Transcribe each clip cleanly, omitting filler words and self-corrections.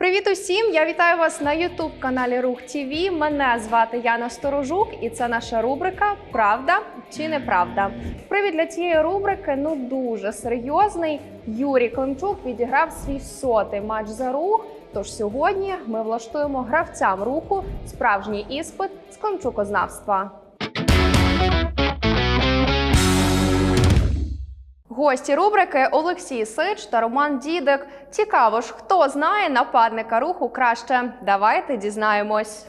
Привіт усім! Я вітаю вас на YouTube-каналі Рух ТВ. Мене звати Яна Сторожук і це наша рубрика «Правда чи неправда?». Привід для цієї рубрики дуже серйозний. Юрій Климчук відіграв свій 100-й матч за Рух. Тож сьогодні ми влаштуємо гравцям Руху справжній іспит з климчукознавства. Гості рубрики Олексій Сич та Роман Дідик. Цікаво ж, хто знає нападника Руху краще? Давайте дізнаємось.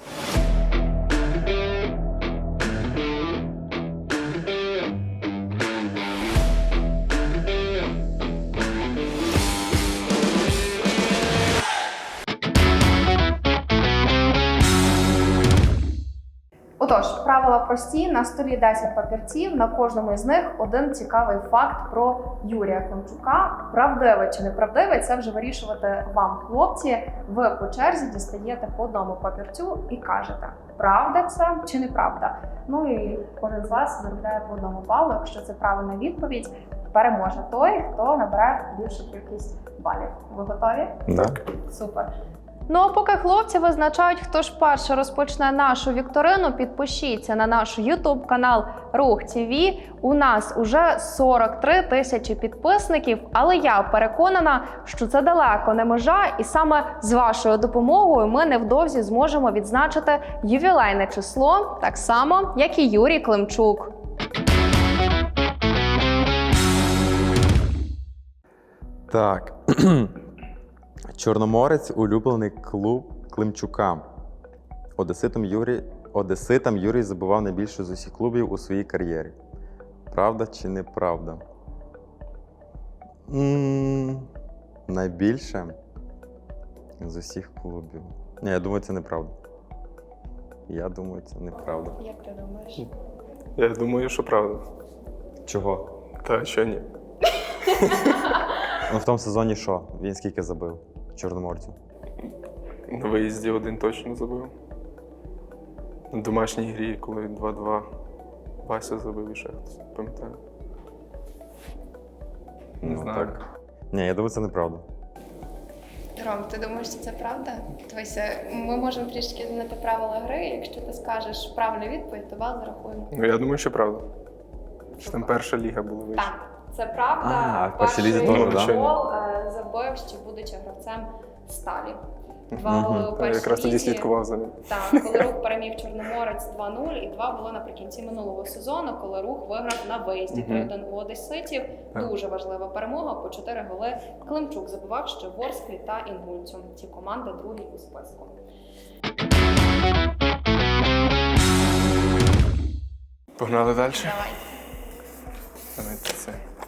Отож, правила прості, на столі 10 папірців, на кожному із них один цікавий факт про Юрія Климчука. Правдивий чи неправдивий, це вже вирішувати вам, хлопці. Ви по черзі дістаєте по одному папірцю і кажете, правда це чи неправда. Ну і кожен з вас заробляє по одному балу. Якщо це правильна відповідь, переможе той, хто набере більшу кількість балів. Ви готові? Так. Супер. Ну а поки хлопці визначають, хто ж перше розпочне нашу вікторину, підпишіться на наш YouTube-канал Рух ТВ. У нас уже 43 тисячі підписників, але я переконана, що це далеко не межа, і саме з вашою допомогою ми невдовзі зможемо відзначити ювілейне число, так само, як і Юрій Климчук. Так. Чорноморець – улюблений клуб Климчука. Одеситам Юрій забивав найбільше з усіх клубів у своїй кар'єрі. Правда чи неправда? Найбільше з усіх клубів. Ні, я думаю, це неправда. Я думаю, це неправда. Як ти думаєш? Я думаю, що правда. Чого? Та що ні. Ну в тому сезоні що? Він скільки забив Чорноморцю? На виїзді один точно забив. На домашній грі, коли 2-2 Вася забив і ще хтось, пам'ятаю. Не знаю. Так. Ні, я думаю, це неправда. Ром, ти думаєш, що це правда? Дивися, ми можемо трішки змінити правила гри. Якщо ти скажеш правильну відповідь, то бал зарахуємо. Ну, я думаю, що правда. Що там перша ліга була вища. Так, це правда. в першій лізі теж, да? гол забив, ще будучи гравцем Сталі. Два голи у Я першій якраз тоді лізі. слідкував за ним. Так, коли Рух переміг Чорноморець 2-0, і два були наприкінці минулого сезону, коли Рух виграв на виїзді 3-1 у одеситів. Дуже важлива перемога, по 4 голи Климчук забивав ще Ворсклі та Інгульцю. Ці команди другі у списку. Погнали далі? Давай. Давайте це.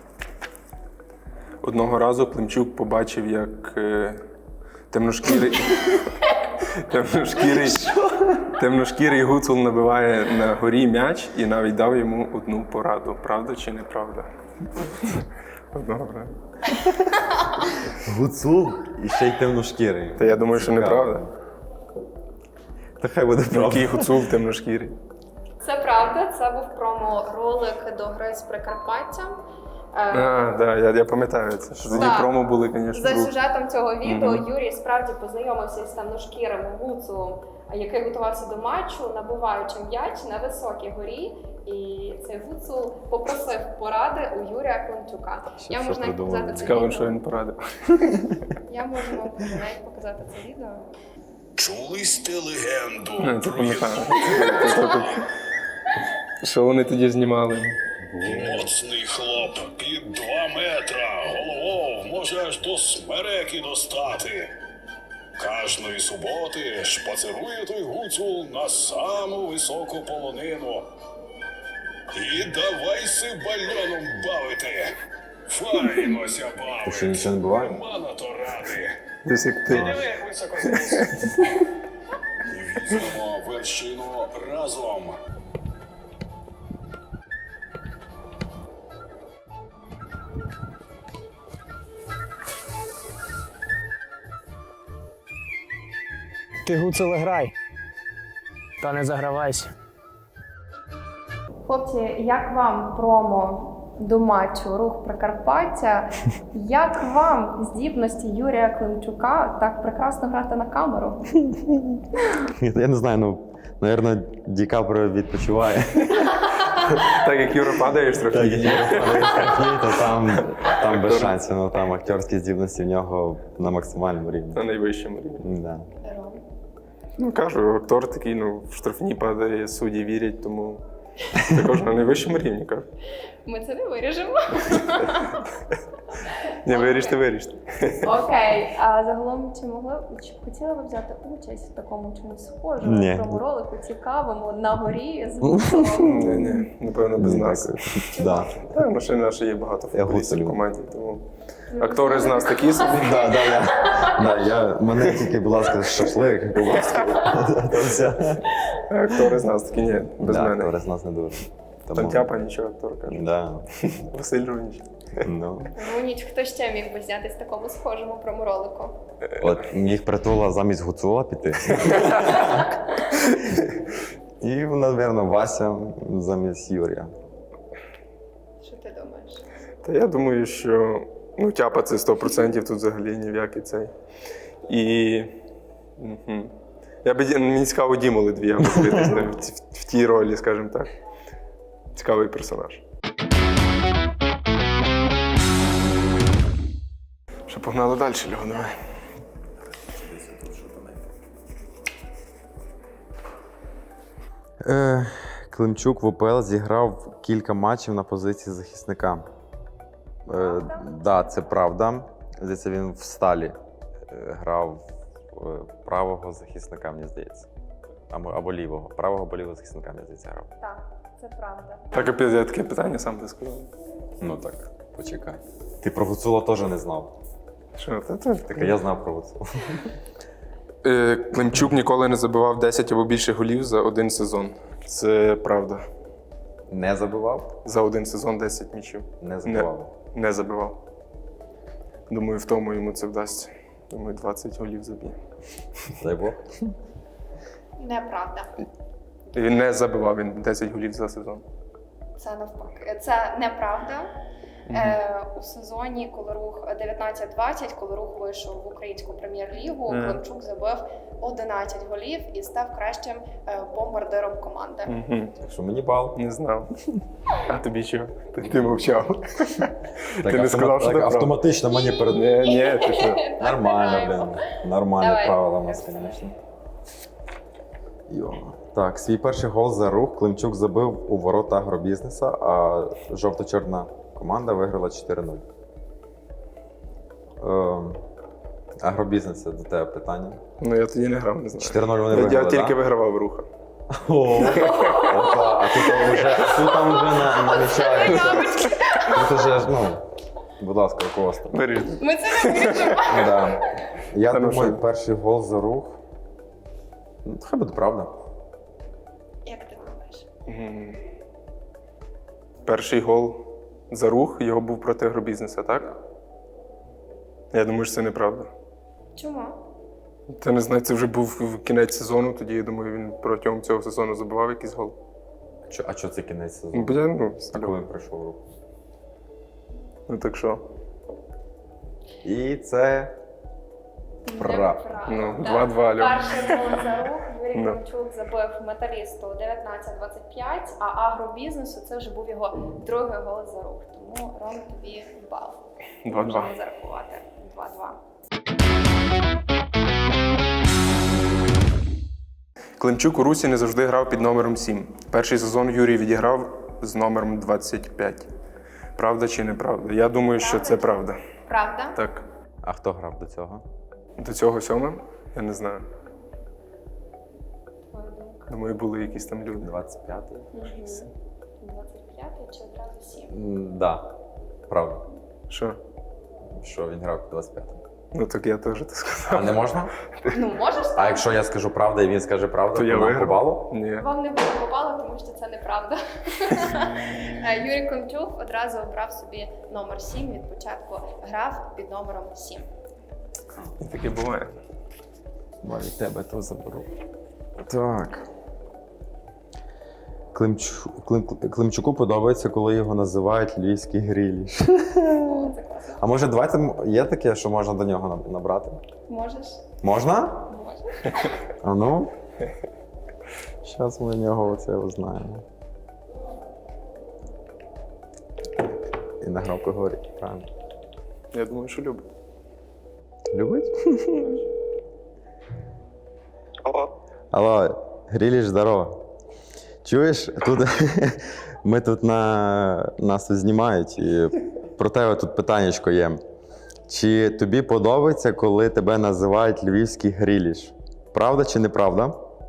Одного разу Климчук побачив, як темношкірий гуцул набиває на горі м'яч і навіть дав йому одну пораду. Правда чи неправда? Одного разу. Гуцул і ще й темношкірий. Та я думаю, що неправда. Та хай буде правда. Який гуцул темношкірий? Це правда, це був промо-ролик до гри з Прикарпаттям. Я пам'ятаю це. Що тоді Так. промо були, звісно. За сюжетом цього відео Юрій справді познайомився з темношкірим гуцулом, який готувався до матчу, набуваючи м'яч на високій горі. І цей гуцул попросив поради у Юрія Климчука. Я можу навіть показати це Цікаво, відео. що він порадив. Я можу вам навіть показати це відео. Чули сте легенду Це про пам'ятаю. Що вони тоді знімали? моцний хлоп під 2 метра, головою може аж до смереки достати. Кожної суботи шпацирує той гуцул на саму високу полонину. І давайся бальоном бавити. Файнося бавити. Що нічого не буває? Нема на то ради. Десь як ти. Диви, як високо візьмемо вершину разом. Ти гуцеле грай, та не загравайся. Хлопці, як вам промо до матчу Рух Прикарпаття. Як вам здібності Юрія Климчука так прекрасно грати на камеру? Я не знаю, ну, напевно, Ді Каприо відпочиває. Так як Юра падаєш трохи. Так, то там без шансів, ну там акторські здібності в нього на максимальному рівні. На найвищому рівні. Да. Ром. Ну, кажу, актор такий, ну, в штрафні падає, судді вірять, тому також на найвищому рівні, кажу. Ми це не виріжемо. Не виріште. Окей, а загалом чи хотіли ви взяти участь в такому чомусь схожому Ні. проморолику, цікавому на горі з Гуцулом? Ні, напевно, без Ні, нас. дякую. Да. Та, машини наші є багато Я футболістів в гуцулю. команді, тому актори з нас такі собі. Мене тільки, будь ласка, шашлик, будь ласка. То все. Актори з нас такі, ні, без Да, мене. актори з нас не дуже. Там тяпа нічого, актор каже. Да. Василь Рунич. Ну. Гуніть, хто ще міг би знятись в такому схожому проморолику? От міг Притула замість Гуцула піти. І, напевно, Вася замість Юрія. Що ти думаєш? Та я думаю, що ну, тяпа це 100%, тут взагалі ні в який цей. І мені цікаво Діму Литвія подивитись в тій ролі, скажімо так. Цікавий персонаж. Що погнали далі, Льоха, давай. Климчук в УПЛ зіграв кілька матчів на позиції захисника. Да, це правда. Здається, він в Сталі грав правого захисника, мені здається. Або лівого. Правого або лівого захисника, мені здається, грав. Так, це правда. Так, опять я таке питання сам ти сказав. Ну так, почекай. Ти про Гуцула теж не знав. Що, Так я знав про Гуцула. Климчук ніколи не забивав 10 або більше голів за один сезон. Це правда. Не забивав? За один сезон 10 м'ячів. Не забивав. Не забивав. Думаю, в тому йому це вдасться. Думаю, 20 голів заб'є. Дай Бог. Неправда. І він не забивав, він 10 голів за сезон. Це навпаки. Це неправда. У сезоні, коли рух 19-20, коли рух вийшов в українську прем'єр-лігу, Климчук забив 11 голів і став кращим бомбардиром команди. Так що мені бал. Не знав. А тобі що? Ти мовчав. Так, Ти не сказав, що так це правда. автоматично мені перед... Ні, ти що? Нормально, блин. Нормальне Давай. правило у нас, звісно. Так, свій перший гол за рух Климчук забив у ворота агробізнеса, а жовто-чорна команда виграла 4-0. Агробізнес, це до тебе питання. Ну я тоді не грав, не знаю. 4-0 вони виграли, Я тільки да? вигравав руха. Опа, а тут там вже намічається. Тут уже, ну, будь ласка, руководство. Вирішив. Ми це не вирішимо. Да. Я Та ну думаю, що? перший гол за рух. Ну, хай буде правда. Як ти думаєш? Перший гол за рух його був проти агробізнеса, так? Я думаю, що це неправда. Чому? Та не знаю, це вже був кінець сезону, тоді я думаю, він протягом цього сезону забивав якийсь гол. А що це кінець Ну, сезону? бо я, ну, А коли він прийшов рух? ну так що? І це Неправда. Ну, 2-2, Альон. Перший гол за рух Юрій Ну. Климчук забив металісту 19-25, а агробізнесу це вже був його другий гол за рух. Тому, Ром, тобі бал. 2-2. Можемо зарахувати. 2-2. Климчук у Русі не завжди грав під номером 7. Перший сезон Юрій відіграв з номером 25. Правда чи неправда? Я думаю, що це правда. Правда? Так. А хто грав до цього? До цього 7? Я не знаю. Твоя думка. Думаю, були якісь там люди. 25-й? 25 чи одразу 7? Да, правда. Що? Що він грав під 25-м. Ну так я теж так А сказав. не можна? Ну, можеш А так? якщо я скажу правду і він скаже правду, То я нам по виграв. балу? Ні. Вам не буде попало, тому що це неправда. Юрій Климчук одразу обрав собі номер 7, від початку грав під номером 7. І таке буває. Від тебе то заберу. Так. Климчуку подобається, коли його називають львівський гриліш. О, це класно. А може, давайте є таке, що можна до нього набрати? Можеш? Можна? Можеш. А ну. Зараз ми в нього оце узнаємо. І на громко говорить, правильно. Я думаю, що любить. Любить? Алло. Алло, Гріліш, здорово. Чуєш, тут ми тут нас тут знімають, і про тебе тут питаннячко є. Чи тобі подобається, коли тебе називають львівський Гріліш? Правда чи неправда?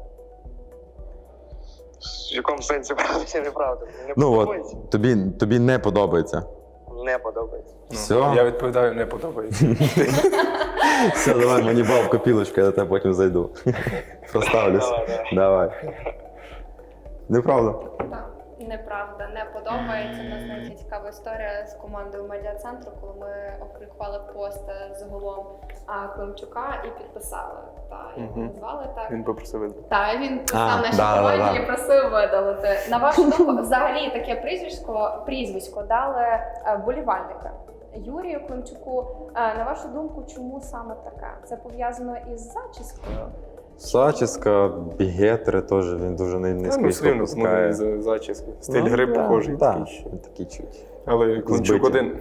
В якому сенсі правда чи неправда? Не Ну подобається? от, тобі не подобається. Не подобається. Все? Я відповідаю, не подобається. Все, давай, мені бал в копілочку, я до тебе потім зайду. Проставлюсь. Давай. Неправда. Так, неправда, не подобається. У нас навіть цікава історія з командою медіа-центру, коли ми опублікували пост з голом Климчука і підписали. Та, його назвали так. Він попросив видати. Так, він писав нашій да, команді да. і просив видалити. На вашу думку, взагалі таке прізвисько дали вболівальники Юрію Климчуку. На вашу думку, чому саме таке? Це пов'язано із зачіскою? Зачіска, бігетри теж, він дуже низько Ну, сильно пускає. смуглий зачіски. Стиль гри похожий. Так, такий ще. він такий чуть. Але Климчук Збиті. один.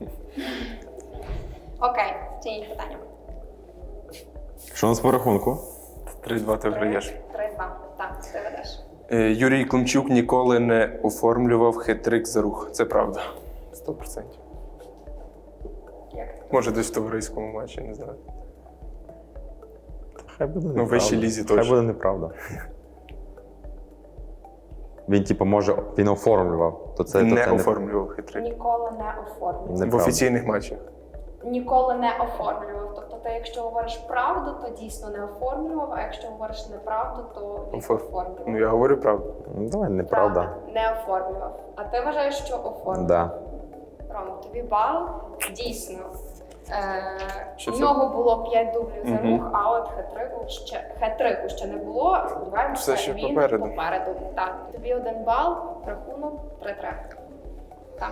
Окей, це інше питання. Що у нас по рахунку? 3-2 ти виграєш. 3-2. Так, ти ведеш. Юрій Климчук ніколи не оформлював хет-трик за рух. Це правда. 100%. Як ти? Може, десь в товариському матчі, не знаю. Хай буде Ну, неправда. вищій лізі Хай точно. буде неправда. Він, типу, може, він оформлював, то це Не то оформлював хет-трик. Ніколи не оформлював. В неправда. офіційних матчах. Ніколи не оформлював. Тобто, ти, якщо говориш правду, то дійсно не оформлював, а якщо говориш неправду, то він оформлював. Ну, я говорю правду. Ну, давай, неправда. Правда, не оформлював. А ти вважаєш, що оформлював? Да. Рома, тобі бал. Дійсно. Що У це? нього було 5 дублів за Мгм. рух, а от хет-трику ще не було. Все Сподіваємося, ще він попереду. Так, тобі 1 бал, рахунок 3-3. Так.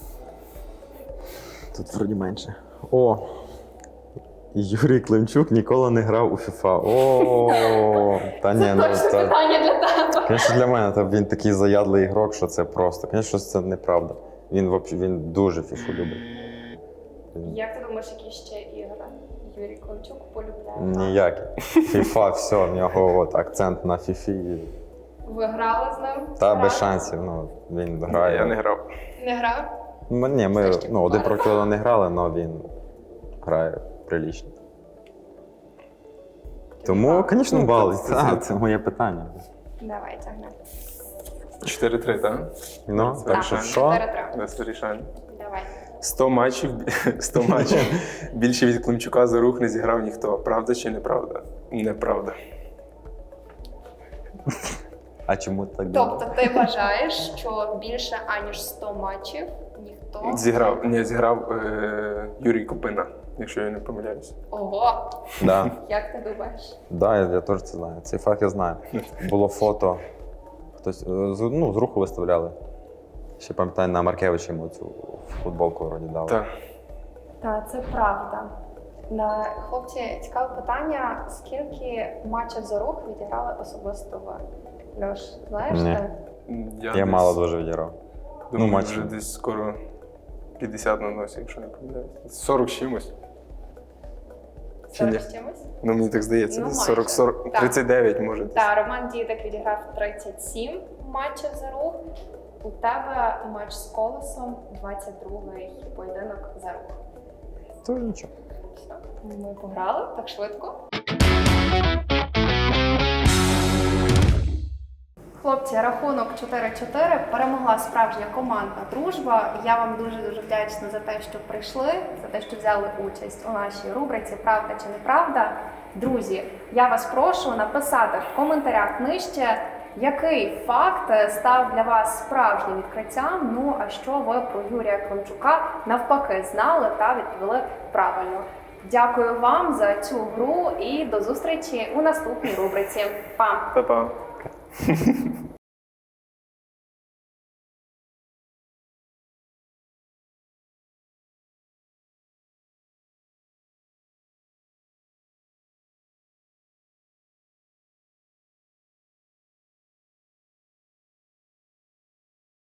Тут вроді менше. О! Юрій Климчук ніколи не грав у FIFA. О, та ні, ну Точно це. питання для тебе. Звісно, для мене він такий заядлий ігрок, що це просто. Звісно, це неправда. Він дуже фіфу любить. Як ти думаєш, які ще ігри Юрій Климчук полюбляє? Ніякий. FIFA, все, в нього от акцент на фіфі. Ви грали з ним? Та Грали? без шансів. Ну, він грає. Я не грав. Не грав? Ні, ми Все ще один пара. проти одного не грали, але він грає прилічно. Тому, звісно, Ну, бали. це- Так, це моє питання. Давай, тягни. 4-3, так? Ну, так що Так, що? 4-3. Без вирішань. Давай. 100 матчів, 100 матчів. Більше від Климчука за рух не зіграв ніхто. Правда чи неправда? Неправда. А чому так думаєш? Тобто ти вважаєш, що більше аніж 100 матчів ніхто Зіграв Юрій Купина, якщо я не помиляюся. Ого! Да. Як ти думаєш? Да, я теж це знаю. Цей факт я знаю. Було фото. Хтось з руху виставляли. Ще пам'ятаю, на Маркевича йому цю футболку вроді дали. Так. Так, це правда. Хлопці, цікаве питання. Скільки матчів за рух відіграли особисто ви? Льош, знаєш? Ні. ти? Я десь мало дуже відіграв. Думаю, матч. вже десь скоро 50 на носі, якщо не помиляюся. 40 з чимось. Чи 40 ні? з чимось? Ну, мені так здається. Ну, десь майже. 40, Так. 39 може. десь. Так, Роман Дідик відіграв 37 матчів за рух. У тебе матч з Колесом, 22-й поєдинок за рух. Тож нічого. Все, ми пограли так швидко. Хлопці, рахунок 4-4. Перемогла справжня командна дружба. Я вам дуже-дуже вдячна за те, що прийшли, за те, що взяли участь у нашій рубриці «Правда чи неправда?». Друзі, я вас прошу написати в коментарях нижче, який факт став для вас справжнім відкриттям, ну а що ви про Юрія Климчука навпаки знали та відповіли правильно. Дякую вам за цю гру і до зустрічі у наступній рубриці. Па! Па-па.